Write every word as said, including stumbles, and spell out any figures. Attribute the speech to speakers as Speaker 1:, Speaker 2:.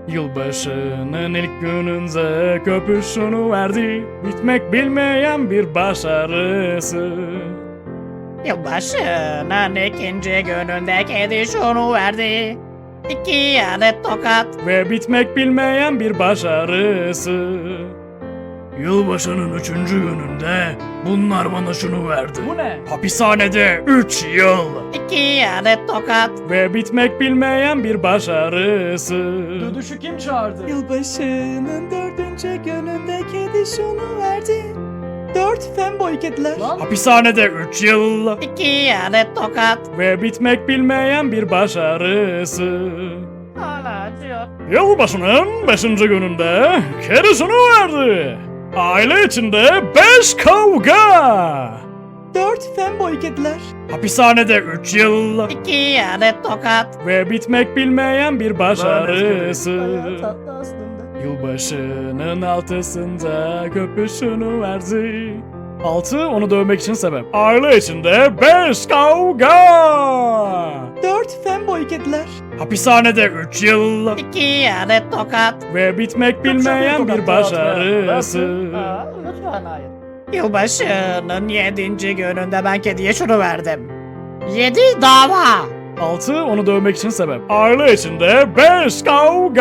Speaker 1: Yılbaşının ilk gününde köpüşünü verdi. Bitmek bilmeyen bir başarısı.
Speaker 2: Yılbaşının ikinci gününde kedi şunu verdi. İki adet tokat.
Speaker 1: Ve bitmek bilmeyen bir başarısı. Yılbaşının üçüncü gününde bunlar bana şunu verdi.
Speaker 3: Bu ne?
Speaker 1: Hapishanede üç yıl.
Speaker 2: İki adet tokat.
Speaker 1: Ve bitmek bilmeyen bir başarısı.
Speaker 3: Dödüşü kim çağırdı?
Speaker 4: Yılbaşının dördüncü gününde kedi şunu verdi. Dört femboy kediler.
Speaker 3: Lan
Speaker 1: Hapishanede üç yıl.
Speaker 2: İki adet tokat.
Speaker 1: Ve bitmek bilmeyen bir başarısı.
Speaker 2: Hala acıyor.
Speaker 1: Yılbaşının beşinci gününde kedi şunu verdi. Aile içinde beş kavga.
Speaker 4: Dört femboy kediler.
Speaker 1: Hapishanede üç yıl.
Speaker 2: İki adet tokat.
Speaker 1: Ve bitmek bilmeyen bir başarısı.
Speaker 4: Bayağı tatlı aslında.
Speaker 1: Yılbaşının altısında köpüşünü verdi. Altı onu dövmek için sebep. Aile içinde beş kavga.
Speaker 4: Dört femboy kediler.
Speaker 1: Hapishanede üç yıl.
Speaker 2: İki adet tokat.
Speaker 1: Ve bitmek bilmeyen bir başarısı.
Speaker 3: Aa, lütfen hayır.
Speaker 2: Yılbaşının yedinci gününde ben kediye şunu verdim. Yedi dava.
Speaker 1: Altı onu dövmek için sebep. Aile içinde beş kavga.